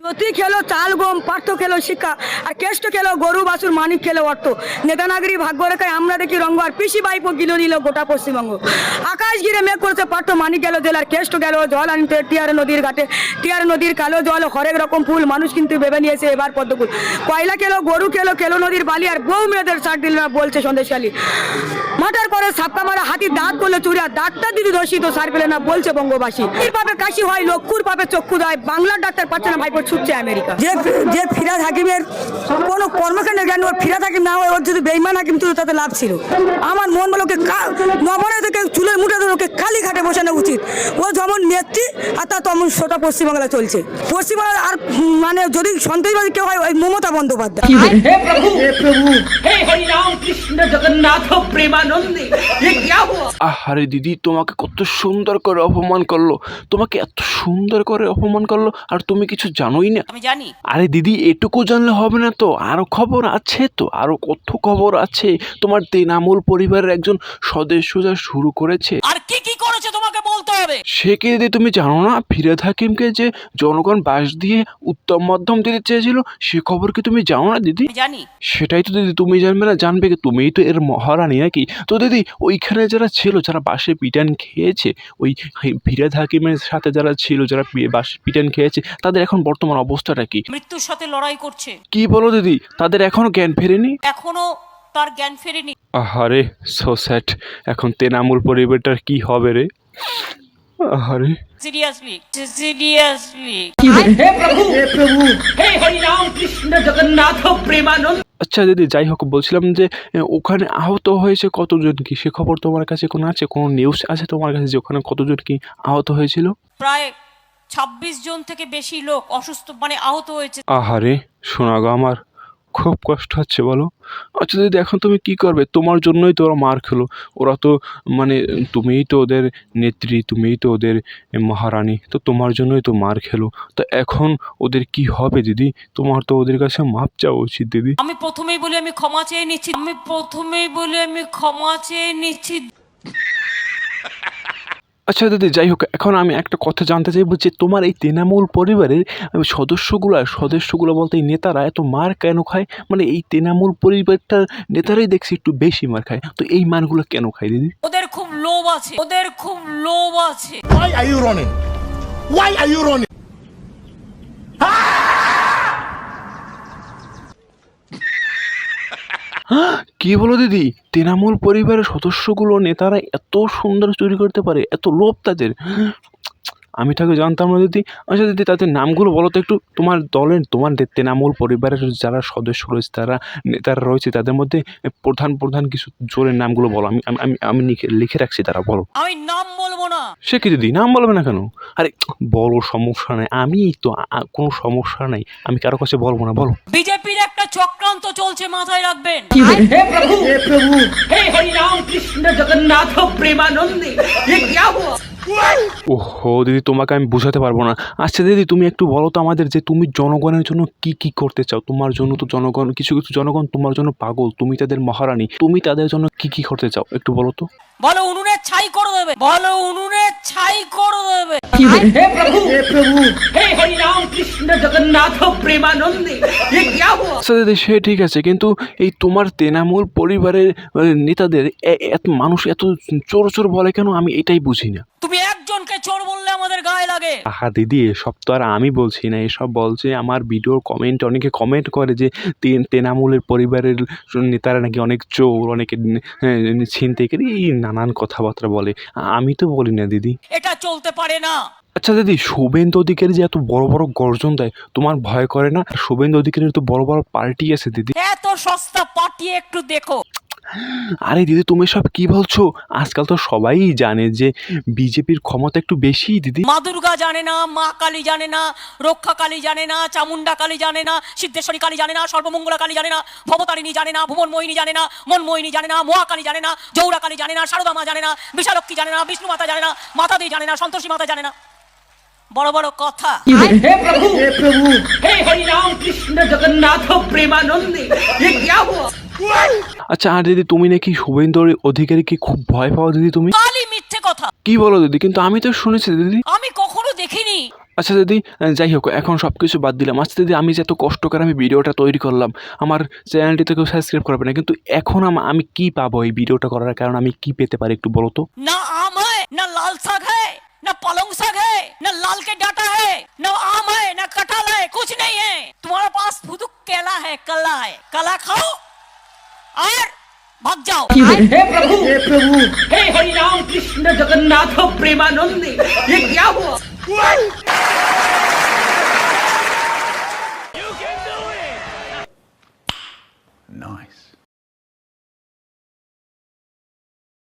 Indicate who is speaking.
Speaker 1: সতী খেলো চাল গম, পার্থ খেলো শিক্ষা, আর কেষ্ট খেলো গরু বাছুর, মানিক খেলো অর্থ। নেতানাগরী ভাগ্য রেখায় আমরা দেখি রঙ্গ, আর পিসি বাইপো গিলো দিল গোটা পশ্চিমবঙ্গ। আকাশ ঘিরে মেঘ করেছে পার্থ, মানিক গেল জেলার, কেষ্ট গেল জল আনতে টিয়ার নদীর ঘাটে। টিয়ার নদীর কালো জল, হরেক রকম ফুল, মানুষ কিন্তু ভেবে নিয়েছে এবার পদ্মফুল। কয়লা খেলো গরু খেলো, খেলো নদীর বালি, আর বউ মেয়েদের ছাড় দিল না বলছে সন্দেশালী। মাটার করে সাপকা মারা হাতি, দাঁত করলে চুরি, আর ডাক্তার দিদি দোষী তো সার পেলে না বলছে বঙ্গবাসী। এর পাপে কাশি হয়, লক্ষুর পাপে চক্ষু দেয়, বাংলার ডাক্তার পাচ্ছে না ভাইপো ছুটছে আমেরিকা। যে ফিরাদ হাকিমের কোনো কর্মকাণ্ডের জ্ঞান, ওর ফিরাদ হাকিম না হয়, ওর যদি বেইমান হাকিম ছিল তাতে লাভ ছিল। আমার মন বলে ওকে নবনে থেকে চুলের মুঠে ধরে ওকে কালী ঘাটে বসানো উচিত। ও যেমন নেত্রী আর তা তেমন সোটা পশ্চিমবাংলায় চলছে। পশ্চিমবাংলার আর মানে যদি সন্ত্রাসবাদী কেউ হয়, ওই মমতা বন্দ্যোপাধ্যায়।
Speaker 2: हे प्रभु हे हरि राम कृष्ण जगन्नाथ प्रेमानंदे ये क्या हुआ?
Speaker 3: আরে দিদি, তোমাকে কত সুন্দর করে অপমান করলো, তোমাকে এত সুন্দর করে অপমান করলো, আর তুমি কিছু জানোই না।
Speaker 2: আমি জানি।
Speaker 3: আরে দিদি, এটুকু জানলে হবে না তো, আরো খবর আছে তো, আরো কত খবর আছে। তোমার তৃণমূল পরিবারের একজন সদস্য যা শুরু করেছে।
Speaker 2: আর কি কি করেছে তোমাকে বলতে হবে।
Speaker 3: সে কি দিদি তুমি জানো না? ফিরহাদ হাকিমকে যে জনগণ বাস দিয়ে উত্তম মাধ্যম দিতে চেয়েছিল, সে খবর কি তুমি জানো না দিদি?
Speaker 2: আমি জানি।
Speaker 3: সেটাই তো দিদি, তুমি জানবে না, জানবে কি? তুমিই তো এর মহারানী নাকি? তো দিদি, ওইখানে যারা ছিল, যারা বাসে পিটান খেয়েছে, ওই ফিরহাদ হাকিমের সাথে যারা ছিল, যারা বাসে পিটান খেয়েছে, তাদের এখন বর্তমান অবস্থাটা কি?
Speaker 2: মৃত্যুর সাথে লড়াই করছে।
Speaker 3: কি বলো দিদি, তাদের এখনো জ্ঞান ফেরেনি?
Speaker 2: এখনো তার জ্ঞান ফেরেনি।
Speaker 3: আহারে, সো স্যাড। এখন তৃণমূল পরিবারটার কি হবে রে? আহারে,
Speaker 2: সিরিয়াসলি हे प्रभु हे हरि राम कृष्ण जगन्नाथ प्रेमानंद।
Speaker 3: আচ্ছা দিদি, যাই হোক, বলছিলাম যে ওখানে আহত হয়েছে কতজন কি, সে খবর তোমার কাছে কোনো আছে? কোনো নিউজ আছে তোমার কাছে যে ওখানে কতজন কি আহত হয়েছিল?
Speaker 2: প্রায় 26 জন থেকে বেশি লোক অসুস্থ মানে আহত হয়েছে।
Speaker 3: আহারে, শোনা গো, আমার খুব কষ্ট হচ্ছে বলো। আচ্ছা দিদি, এখন তুমি কি করবে? তোমার জন্যই তো ওরা মার খেলো। ওরা তো মানে তুমিই তো ওদের নেত্রী, তুমিই তো ওদের মহারানী, তো তোমার জন্যই তো মার খেলো। তো এখন ওদের কি হবে দিদি? তোমার তো ওদের কাছে মাপ চাওয়া উচিত দিদি।
Speaker 2: আমি প্রথমেই বলি আমি ক্ষমা চেয়ে নিচ্ছি।
Speaker 3: আচ্ছা দিদি, যাই হোক, এখন আমি একটা কথা জানতে চাইবো যে তোমার এই তৃণমূল পরিবারের সদস্যগুলো বলতে এই নেতারা এত মার কেন খায়? মানে এই তৃণমূল পরিবারটার নেতারাই দেখছি একটু বেশি মার খায়, তো এই মারগুলো কেন খায় দিদি?
Speaker 2: ওদের খুব লোভ আছে।
Speaker 4: Why are you running? Why are you running?
Speaker 3: কি বলো দিদি, তৃণমূল পরিবারের সদস্যগুলো নেতারা এত সুন্দর চুরি করতে পারে, এত লোভ তাদের? আমি তাকে জানতাম না দিদি। আচ্ছা দিদি, তাদের নামগুলো বলো তো একটু। তোমার দলের, তোমার তৃণমূল পরিবারের যারা সদস্য রয়েছে, তারা নেতারা রয়েছে, তাদের মধ্যে প্রধান কিছু জোরের নামগুলো বলো। আমি আমি আমি লিখে রাখছি, তারা বলো।
Speaker 2: আমি নাম বলবো না।
Speaker 3: সে কি দিদি, নাম বলবে না কেন? আরে বলো, সমস্যা নাই, আমি তো কোনো সমস্যা নাই, আমি কারো কাছে বলবো না, বলো।
Speaker 2: বিজেপির একটা চক্রান্ত চলছে, মাথায় রাখবেন। हे प्रभु हे हरि राम कृष्ण जगन्नाथ प्रेमानंदे ये क्या हुआ?
Speaker 3: ওহো দিদি, তোমাকে আমি বোঝাতে পারবো না। আচ্ছা দিদি, তুমি একটু বলো তো আমাদের, যে তুমি জনগণের জন্য কি কি করতে চাও? তোমার জন্য তো জনগণ, কিছু জনগণ তোমার জন্য পাগল, তুমি তাদের মহারানী, তুমি তাদের জন্য কি কি করতে চাও একটু বলো তো।
Speaker 2: বলো উনুনে ছাই করে দেবে। हे प्रभु हे हरि राम कृष्ण जगन्नाथ प्रेमानंदे ये क्या हुआ?
Speaker 3: আচ্ছা দিদি, সে ঠিক আছে, কিন্তু এই তোমার তৃণমূল পরিবারের নেতাদের এত মানুষ এত চোর বলে কেন? আমি এটাই বুঝি না।
Speaker 2: তুমি একজনকে চোর বললে আমাদের গায়ে লাগে।
Speaker 3: আহা দিদি, এসব তো আর আমি বলছি না, এসব বলছে আমার ভিডিওর কমেন্টে অনেকে কমেন্ট করে যে তৃণমূলের পরিবারের নেতারা নাকি অনেক চোর, অনেকে ছিনতাইকারী, এই নানান কথাবার্তা বলে। আমি তো বলি না দিদি।
Speaker 2: এটা চলতে পারে না।
Speaker 3: আচ্ছা দিদি, শুভেন্দু অধিকারী যে এত বড় বড় গর্জন দেয়, তোমার ভয় করে না? শুভেন্দু অধিকারীর তো বড় বড় পার্টি আছে দিদি।
Speaker 2: এত সস্তা পাঠিয়ে একটু দেখো।
Speaker 3: আরে দিদি, তুমি সব কি বলছো? আজকাল তো সবাই জানে যে বিজেপির ক্ষমতা একটু বেশি দিদি।
Speaker 2: মা দুর্গা জানে না, মা কালী জানে না, রক্ষা কালী জানে না, চামুন্ডা কালী জানে না, সিদ্ধেশ্বরী কালী জানে না, সর্বমঙ্গলা কালী জানে না, ভবতারিণী জানে না, ভুবন মোহিনী জানে না, মনমোহিনী জানে না, মহা কালী জানে না, জৌরা কালী জানে না, শারদা মা জানে না, বিশালক্ষী জানে না, বিষ্ণু মাতা জানে না, মাতা দেবী জানে না, সন্তোষী মাতা জানে না। বড় বড় কথা। हे प्रभु हे हरि राम कृष्ण जगन्नाथ प्रेमानंदे ये क्या हुआ?
Speaker 3: আচ্ছা, আর দিদি, তুমি নাকি শুভেন্দু অধিকারীকে খুব ভয় পাও দিদি তুমি?
Speaker 2: কালী মিথ্যে কথা।
Speaker 3: কি বলো দিদি? কিন্তু আমি তো শুনেছি দিদি।
Speaker 2: আমি কখনো দেখিনি।
Speaker 3: আচ্ছা দিদি, যাই হোক, এখন সব কিছু বাদ দিলাম। আচ্ছা দিদি, আমি যে এত কষ্ট করে আমি ভিডিওটা তৈরি করলাম, আমার চ্যানেলটিতে কেউ সাবস্ক্রাইব করবে না, কিন্তু এখন আমি কি পাবো এই ভিডিওটা করার কারণে? আমি কি পেতে পারি একটু বলো তো।
Speaker 2: ना आम है ना लाल साग है ना पलंग साग है ना लाल के डाटा है ना आम है ना कटहल है कुछ नहीं है तुम्हारे पास फुदुक केला है कला है कला खाओ और भाग जाओ
Speaker 5: हे प्रभु हे हरि राम कृष्ण जगन्नाथ प्रेमानंद ये क्या हुआ